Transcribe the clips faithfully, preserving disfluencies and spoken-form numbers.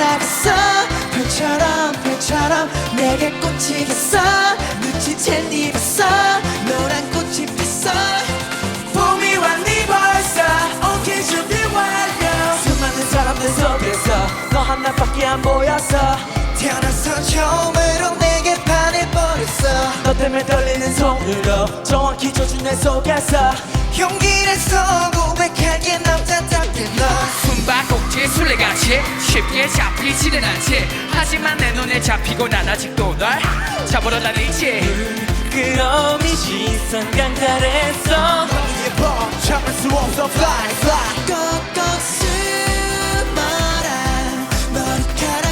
날아갔어. 별처럼 별처럼 내게 꽂히겠어. 눈치챈 네 봤어. 노란 꽃이 폈어. 봄이 왔니 벌써. 오케이 준비 완료. 수많은 사람들 속에서 너 하나밖에 안 보였어. 태어나서 처음으로 내게 반해버렸어. 너 때문에 떨리는 손으로 정확히 져준 내 속에서 용기 내서 고백할게 남자답게 너. 숨바꼭질 술래같이 쉽게 잡히지는 않지. 하지만 내 눈에 잡히고 난 아직도 널 잡으러 다니지. 그럼 이 시선 강탈했어. 너무 예뻐 참을 수 없어 fly fly. 꼭꼭 숨어라. 머리카락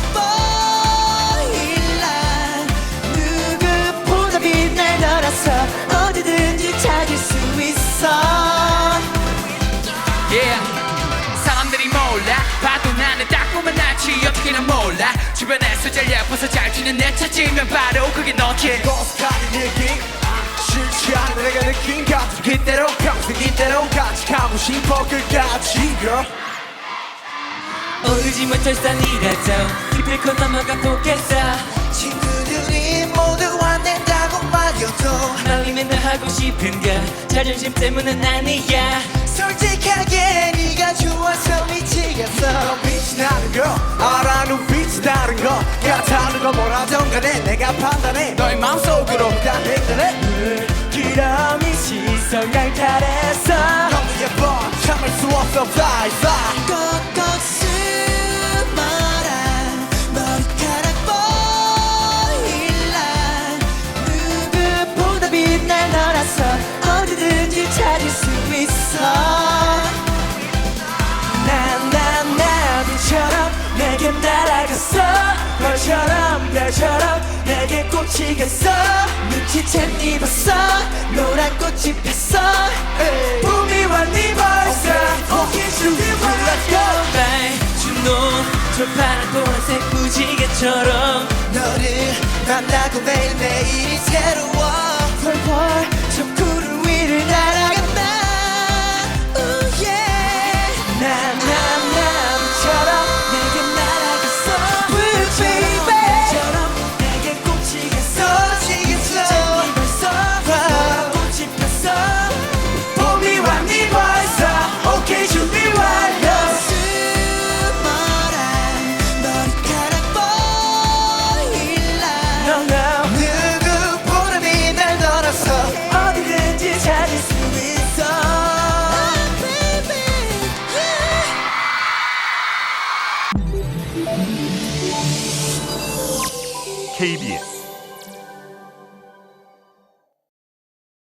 보일라. 누구보다 빛날 너라서 어디든지 찾을 수 있어. Yeah. 사람들이 몰라 봐도 나는 딱 보면 나지. 어떻게는 몰라 주변에서 제일 예뻐서 잘 튀는 내 찾으면 바로 그게 너지. 고스란히 느낌 싫지 않은 내가 느낀 감정 그대로 평생 이대로 같이 가고 싶어 끝까지 girl. 오르지 못할 산이라도 기필코 넘어가 보겠어. 친구들이 모두 화낸다고 말여도 말리면 너 하고 싶은 거 자존심 때문은 아니야. 솔직하게 네가 좋아서 미치겠어. 넌 빛이 나는 거 알아. 눈빛이 다른 거 같다는 거 뭐라던 간에 내가 판단해. 너의 마음속으로 다 행동해. 그럼 이 시선 강탈했어. 너무 예뻐 참을 수 없어 fly fly. 꼭꼭 숨어라. 머리카락 보일라. 누구보다 빛날 너라서 어디든지 찾을 수 있어. 난 난 나비처럼 내게 날아갔어. 별처럼 별처럼 내게 꽂히겠어. 눈치챈 네 봤어. 노란 꽃이 폈어. 봄이 왔니 벌써. 오케이 준비 완료. 주노 저 파란 보라색 무지개처럼 너를 만나고 매일매일이 새로워. 펄펄 저 구름 위를 날아간다. Ooh, yeah. 난 난 나비처럼 내게 날아갔어. Blue baby 처럼 내게 꽂히겠어. 꽂히겠어. 네 벌써 노란 꽃이 폈어. 봄이 왔니 벌써. 오케이 준비 완료. 숨어라. 머리카락 보일라. No, no. 누구보다 빛날 너라서 어디든지 찾을 수 있어. 케이비에스